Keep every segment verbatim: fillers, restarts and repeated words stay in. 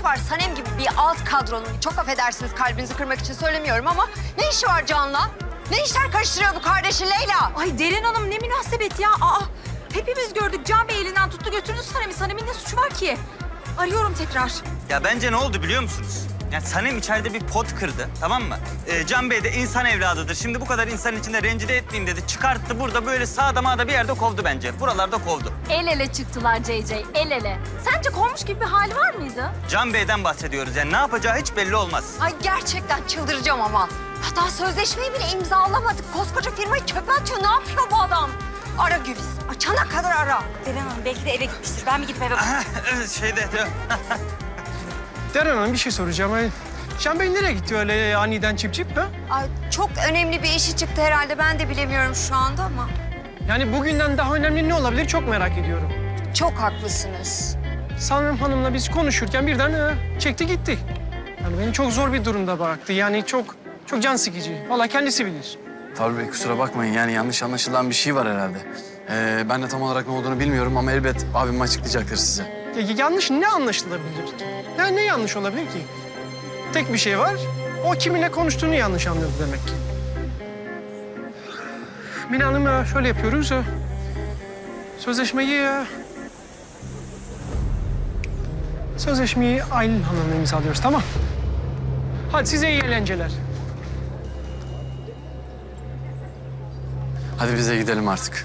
işi var Sanem gibi bir alt kadronun? Çok affedersiniz, kalbinizi kırmak için söylemiyorum ama ne işi var Can'la? Ne işler karıştırıyor bu kardeşi Leyla? Ay Derin Hanım ne münasebet ya. Aa, hepimiz gördük. Can Bey elinden tuttu götürdü Sanem'i. Sanem'in ne suçu var ki? Arıyorum tekrar. Ya bence ne oldu biliyor musunuz? Yani Sanem içeride bir pot kırdı, tamam mı? Ee, Can Bey de insan evladıdır. Şimdi bu kadar insanın içinde rencide etmeyeyim dedi. Çıkarttı burada böyle sağda mağda bir yerde kovdu bence. Buralarda kovdu. El ele çıktılar C C, el ele. Sence kovmuş gibi bir hali var mıydı? Can Bey'den bahsediyoruz. Yani ne yapacağı hiç belli olmaz. Ay gerçekten çıldıracağım ama. Hatta sözleşmeyi bile imzalamadık. Koskoca firmayı çöpe atıyor. Ne yapıyor bu adam? Ara Güliz. Açana kadar ara. Derin Hanım belki de eve gitmiştir. Ben mi gidip eve Şeyde... Deren Hanım bir şey soracağım. Ay, Can Bey nereye gitti öyle aniden çip çip ha? Ay çok önemli bir işi çıktı herhalde. Ben de bilemiyorum şu anda ama. Yani bugünden daha önemli ne olabilir çok merak ediyorum. Çok haklısınız. Sanem Hanım'la biz konuşurken birden e, çekti gitti. Yani beni çok zor bir durumda bıraktı. Yani çok çok can sıkıcı. Vallahi kendisi bilir. Fabri Bey kusura bakmayın yani yanlış anlaşılan bir şey var herhalde. Ee, ben de tam olarak ne olduğunu bilmiyorum ama elbet abim açıklayacaktır size. Ya, yanlış ne anlaşılabilir ki? Yani ne yanlış olabilir ki? Tek bir şey var. O kiminle konuştuğunu yanlış anladı demek ki. Mine Hanım e, şöyle yapıyoruz. e, Sözleşmeyi... e, Sözleşmeyi Aylin Hanım'la imzalıyoruz, tamam? Hadi size iyi eğlenceler. Hadi bize gidelim artık.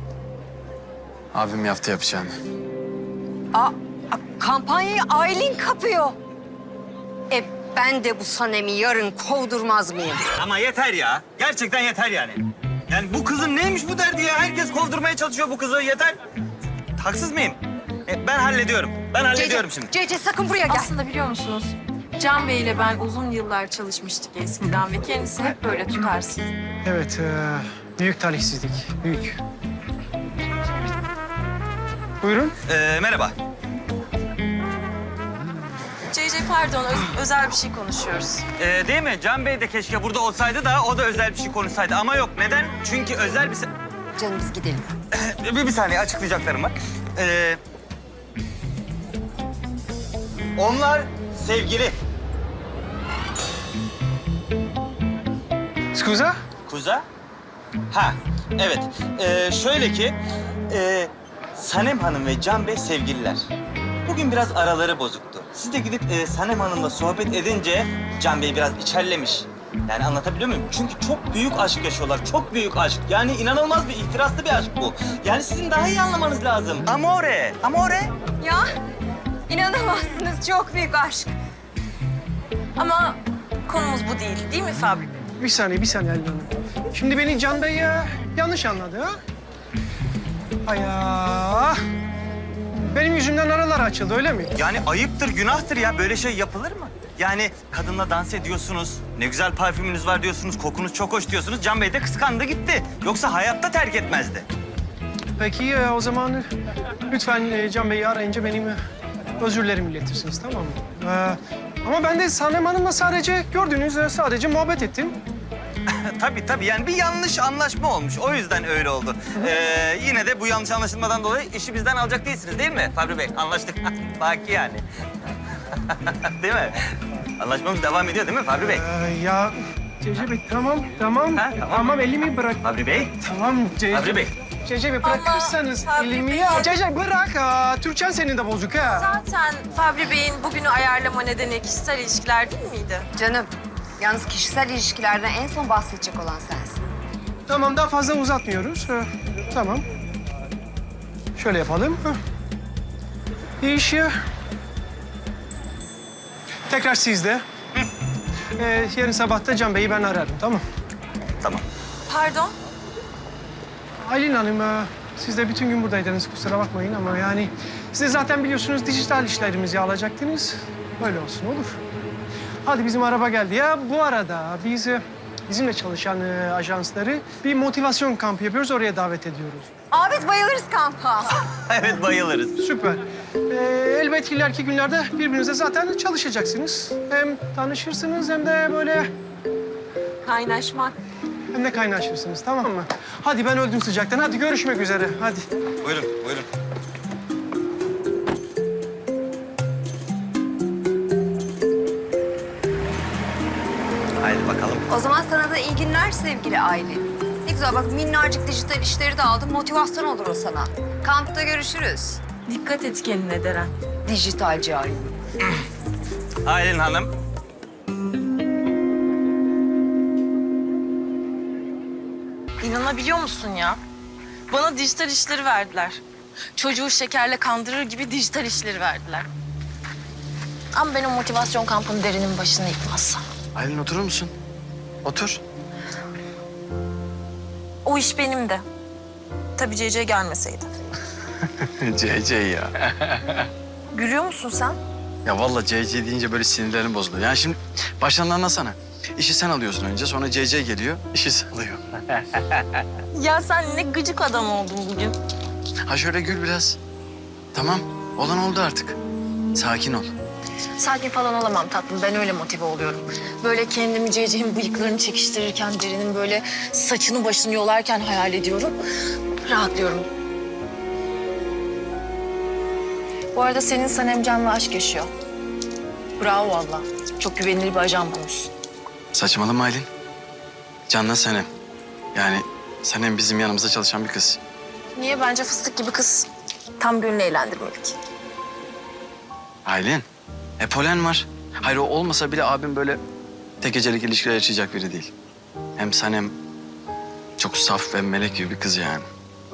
Abim yaptı yapacağını. Aa, a- kampanyayı Aylin kapıyor. E ben de bu Sanem'i yarın kovdurmaz mıyım? Ama yeter ya. Gerçekten yeter yani. Yani bu kızın neymiş bu derdi ya? Herkes kovdurmaya çalışıyor bu kızı. Yeter. Haksız mıyım? E, ben hallediyorum. Ben hallediyorum şimdi. Cece sakın buraya gel. Aslında biliyor musunuz? Can Bey ile ben uzun yıllar çalışmıştık eskiden ve kendisi hep böyle tutarsız. Evet, e, büyük talihsizlik, büyük. Buyurun. Ee, merhaba. C C pardon öz- özel bir şey konuşuyoruz. Ee, değil mi? Can Bey de keşke burada olsaydı da o da özel bir şey konuşsaydı. Ama yok. Neden? Çünkü özel bir... se- Canım biz gidelim. bir, bir saniye açıklayacaklarım var. Ee, onlar sevgili. Scusa? Kuza? Ha, evet. Ee, şöyle ki... E, Sanem Hanım ve Can Bey sevgililer. Bugün biraz araları bozuktu. Siz de gidip e, Sanem Hanım'la sohbet edince Can Bey biraz içerlemiş. Yani anlatabiliyor muyum? Çünkü çok büyük aşk yaşıyorlar. Çok büyük aşk. Yani inanılmaz bir ihtiraslı bir aşk bu. Yani sizin daha iyi anlamanız lazım. Amore, amore. Ya inanamazsınız, çok büyük aşk. Ama konumuz bu değil, değil mi Fabri Bey? Bir saniye, bir saniye Aylin Hanım. Şimdi beni Can Bey ya, yanlış anladı ha? Ay ya. Benim yüzümden aralar açıldı öyle mi? Yani ayıptır, günahtır ya. Böyle şey yapılır mı? Yani kadınla dans ediyorsunuz, ne güzel parfümünüz var diyorsunuz, kokunuz çok hoş diyorsunuz. Can Bey de kıskandı gitti. Yoksa hayatta terk etmezdi. Peki e, o zaman lütfen e, Can Bey'i arayınca benim e, özürlerimi iletirsiniz, tamam mı? Ee, ama ben de Sanem Hanım'la sadece gördüğünüz e, sadece muhabbet ettim. Tabii tabii yani bir yanlış anlaşma olmuş. O yüzden öyle oldu. Ee, yine de bu yanlış anlaşılmadan dolayı işi bizden alacak değilsiniz değil mi Fabri Bey? Anlaştık. Baki yani. Değil mi? Anlaşmamız devam ediyor değil mi Fabri Bey? Ee, ya Cece Bey tamam, tamam. Ha, tamam. Tamam, elimi bırak. Fabri Bey? Tamam Cece. Fabri Bey. Cece Bey bırakırsanız Fabri elimi Bey. ya. Cece bırak. Aa, Türkçen senin de bozuk ha. Zaten Fabri Bey'in bugünü ayarlama nedeni kişisel ilişkiler değil miydi? Canım yalnız kişisel ilişkilerden en son bahsedecek olan sensin. Tamam, daha fazla uzatmıyoruz. Ee, tamam. Şöyle yapalım. Heh. İş ya. Tekrar sizde. Ee, yarın sabah da Can Bey'i ben ararım, tamam. Tamam. Pardon? Aylin Hanım, e, siz de bütün gün buradaydınız, kusura bakmayın ama yani... ...siz de zaten biliyorsunuz dijital işlerimizi alacaktınız. Böyle olsun, olur. Hadi bizim araba geldi. Ya bu arada biz e, bizimle çalışan e, ajansları bir motivasyon kampı yapıyoruz, oraya davet ediyoruz. Aa biz bayılırız kampa. Evet bayılırız. Süper. Ee, elbet ileriki günlerde birbirinize zaten çalışacaksınız. Hem tanışırsınız hem de böyle... Kaynaşmak. ...hem de kaynaşırsınız, tamam mı? Hadi ben öldüm sıcaktan. Hadi görüşmek üzere, hadi. Buyurun, buyurun. O zaman sana da iyi günler sevgili Aylin. Ne güzel bak minnacık dijital işleri de aldım. Motivasyon olur o sana. Kampta görüşürüz. Dikkat et kendine Deren. Dijitalci Aylin. Aylin Hanım. İnanabiliyor musun ya? Bana dijital işleri verdiler. Çocuğu şekerle kandırır gibi dijital işleri verdiler. Ama ben o motivasyon kampının derinin başını yıkmazsam. Aylin oturur musun? Otur. O iş benim de. Tabii C C gelmeseydi. C C ya. Gülüyor musun sen? Ya vallahi C C deyince böyle sinirlerim bozuluyor. Yani şimdi baştan anlasana. İşi sen alıyorsun önce, sonra C C geliyor, işi sen alıyor. Ya sen ne gıcık adam oldun bugün. Ha şöyle gül biraz. Tamam, olan oldu artık. Sakin ol. Sakin falan olamam tatlım. Ben öyle motive oluyorum. Böyle kendimi C C'nin bıyıklarını çekiştirirken, derinin böyle saçını başını yolarken hayal ediyorum. Rahatlıyorum. Bu arada senin Sanem Can'la aşk yaşıyor. Bravo valla. Çok güvenilir bir ajan bulmuşsun. Saçmalama Aylin. Canla Sanem. Yani Sanem bizim yanımızda çalışan bir kız. Niye? Bence fıstık gibi kız. Tam gönlünü eğlendirmelik. Aylin, e polen var. Hayır o olmasa bile abim böyle tek gecelik ilişkiler yaşayacak biri değil. Hem Sanem çok saf ve melek gibi bir kız yani.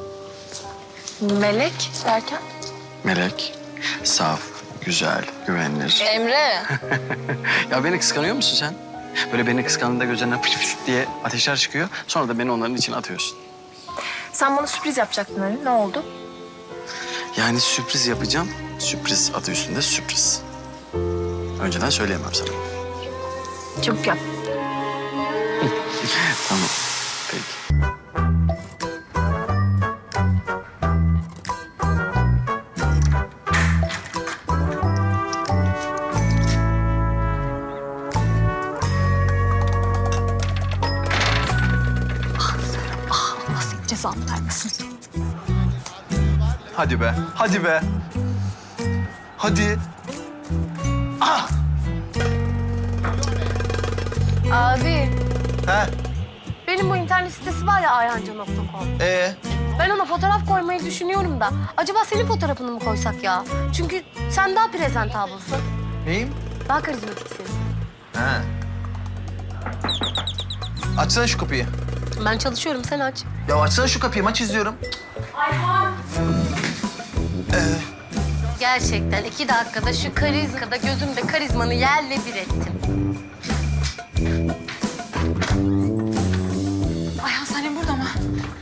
Melek derken? Melek, saf, güzel, güvenilir. Emre. Ya beni kıskanıyor musun sen? Böyle beni kıskandığında gözlerinden fış fış diye ateşler çıkıyor. Sonra da beni onların içine atıyorsun. Sen bana sürpriz yapacaktın hani. Ne oldu? Yani sürpriz yapacağım. Sürpriz adı üstünde sürpriz. Önceden söyleyemem sana. Çabuk yap. Tamam. Peki. Allah senin cezanı vermesin. Hadi be, hadi be. Hadi. Abi, He, benim bu internet sitesi var ya ayhanca nokta com. ee, Ben ona fotoğraf koymayı düşünüyorum da. Acaba senin fotoğrafını mı koysak ya? Çünkü sen daha presentablısın. neyim? Daha karizmatiksin. He. Açsana şu kapıyı. Ben çalışıyorum, sen aç. Ya açsana şu kapıyı, maç izliyorum. Gerçekten iki dakikada şu karizmada gözümde karizmanı yerle bir ettim. Ayhan Sanem burada mı?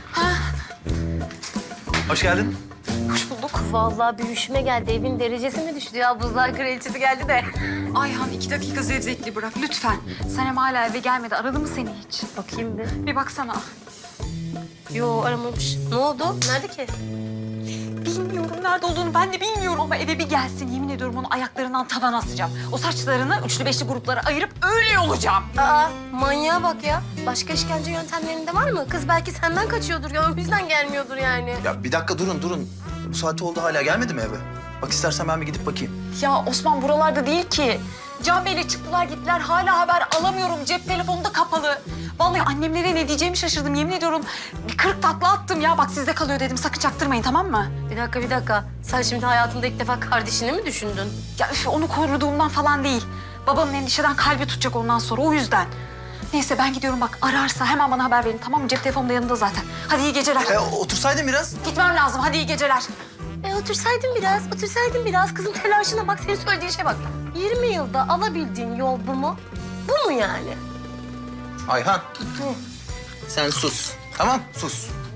Hoş geldin. Hoş bulduk. Vallahi bir üşüme geldi. Evin derecesi mi düştü ya? Buzlar kraliçesi geldi de. Ayhan iki dakika zevzekli bırak lütfen. Sanem hala eve gelmedi. Aradı mı seni hiç? Bakayım bir. Bir baksana. Yo aramamış. Ne oldu? Nerede ki? Bilmiyorum nerede olduğunu ben de bilmiyorum ama eve bir gelsin. Yemin ediyorum onu ayaklarından tavana asacağım. O saçlarını üçlü beşli gruplara ayırıp öyle olacağım. Aa manyağa bak ya. Başka işkence yöntemlerinde var mı? Kız belki senden kaçıyordur ya. O yüzden gelmiyordur yani. Ya bir dakika durun, durun. Bu saati oldu hala gelmedi mi eve? Bak istersen ben bir gidip bakayım. Ya Osman buralarda değil ki. Can Bey'le çıktılar gittiler. Hala haber alamıyorum. Cep telefonu da kapalı. Vallahi annemlere ne diyeceğimi şaşırdım. Yemin ediyorum bir kırık takla attım ya. Bak sizde kalıyor dedim. Sakın çaktırmayın tamam mı? Bir dakika bir dakika. Sen şimdi hayatında ilk defa kardeşini mi düşündün? Ya üf, onu koruduğumdan falan değil. Babamın endişeden kalbi tutacak ondan sonra o yüzden. Neyse ben gidiyorum bak ararsa hemen bana haber verin tamam mı? Cep telefonum da yanında zaten. Hadi iyi geceler. E, otursaydın biraz. Gitmem lazım. Hadi iyi geceler. E otursaydın biraz, otursaydın biraz. Kızın telaşına bak, senin söylediğin şeye bak. yirmi yılda alabildiğin yol bu mu? Bu mu yani? Ayhan. Sen sus. Tamam, sus.